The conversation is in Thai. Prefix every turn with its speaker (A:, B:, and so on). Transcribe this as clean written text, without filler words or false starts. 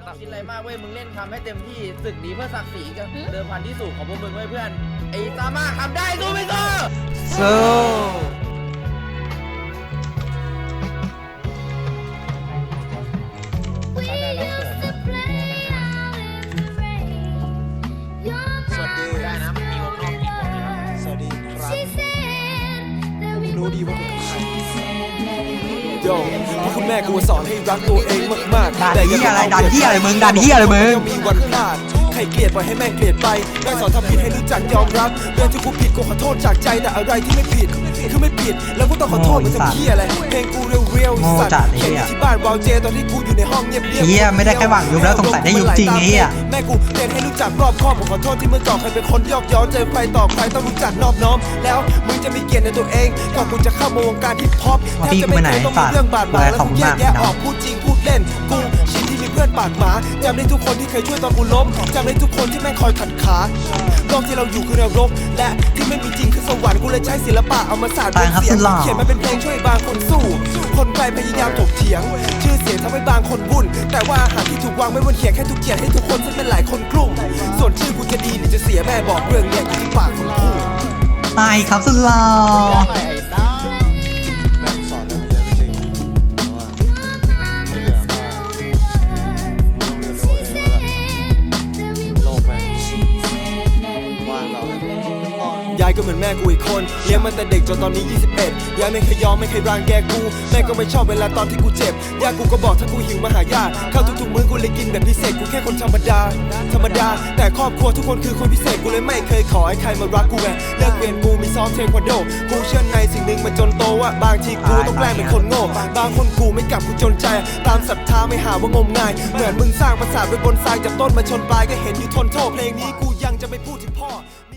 A: คิดอะไรมากเว้ยมึงเล่นทำให้เต็มที่ศึกนี้เพื่อศักดิ์ศรีกับเดิมพันที่สูงของพวกมึงเว้ยเพื่อนไอ้ซามาทำได้สู้ไม่สู้
B: สู้
C: สวัสดีได้นะมีวงนอกอีกวงนึงสวัสดีครับรู้ดีว่าเป็นใครโย่เพราะคุณแม่กูสอนให้รักตัวเองมากๆ
B: ดันที่อะไรดันที่อะไรมึงดันที่อะไรมึง
C: มีวันพลาดใครเกลียดปล่อยให้แม่งเกลียดไปแม่สอนทำผิดให้รู้จักยอมรับเรื่องที่กูผิดกูขอโทษจากใจแต่อะไรที่ไม่ผิดคือไม่ผิดแล้วกูต้องขอโทษมันจะเหี้ยอะไรเพลงกูเรียวๆสัตว์เพลงที่บ้านวาวเจตอนที่กูอยู่ในห้องเงียบๆ
B: เหี้ยไม่ได้แค่หวังยุบแล้วสงสัยได้ยุบจริงไอ้เหี้ย
C: แม่กูเตือนให้รู้จักรอบคอบผมขอโทษที่เมื่อก่อนเคยเป็นคนยอกย้อนเจอใครต่อใครต้องรู้จักนอบน้อมแล้วมึงจะมีเกียรติในตัวเองก่อนกูจะเข้ามาวงการฮิปฮอปแทบจะไม่เคยต้องมีเรื่องบาดหมางแล้วกูแยกแยะออกพูดจริงพูดเล่นกูชินที่มีเพื่อนปากหมาจำได้ทุกคนที่เคยช่วยตอนกูล้มจำได้ทุกคนที่แม่งคอยขัดขาโลกที่เราอยู่คือนรกและที่ไม่มีจริงคือสวรรค์กูเลยใช้ศิลปะเอามาสานเป็นเสียงเขียนมาเป็นเพลงช่วยบางคนสู้คนไกลพยายามถกเถียงชื่อเสียงทำให้บางคนวุ่นแต่ว่าอาหารที่ถูกวางไว้บนเขียงแค่ถูกเขียนให้ทุกคนซึ่งเป็นหลายคนกลุ่มส่วนชื่อกูจะดีหรือจะเสียแม่บอกเรื่องเนี้ยอยู่ที่ปากคนพูด
B: ตายครับสุดหล่อ
C: ยายก็เหมือนแม่กูอีกคนเลี้ยงมันแต่เด็กจนตอนนี้21ยายไม่เคยยอมไม่เคยรังแกกูแม่ก็ไม่ชอบเวลาตอนที่กูเจ็บยายกูก็บอกถ้ากูหิวมาหายาข้าวทุกๆมื้อกูเลยกินแบบพิเศษกูแค่คนธรรมดาแต่ครอบครัวทุกคนคือคนพิเศษกูเลยไม่เคยขอให้ใครมารักกูแหวเลิกเรียนกูมีซ้อมเทควันโดกูเชื่อในสิ่งหนึ่งมันจนโตว่าบางทีกูต้องแกล้งเป็นคนโง่บางคนกูไม่กลับกูจนใจตามศรัทธาไม่หาว่างมงายเหมือนมึงสร้างปราสาทไว้บนทรายจับต้นมาชนปลายก็เห็นอยู่ทนโทษเพลงนี้กูยังจะไม่พูดถึงพ่อ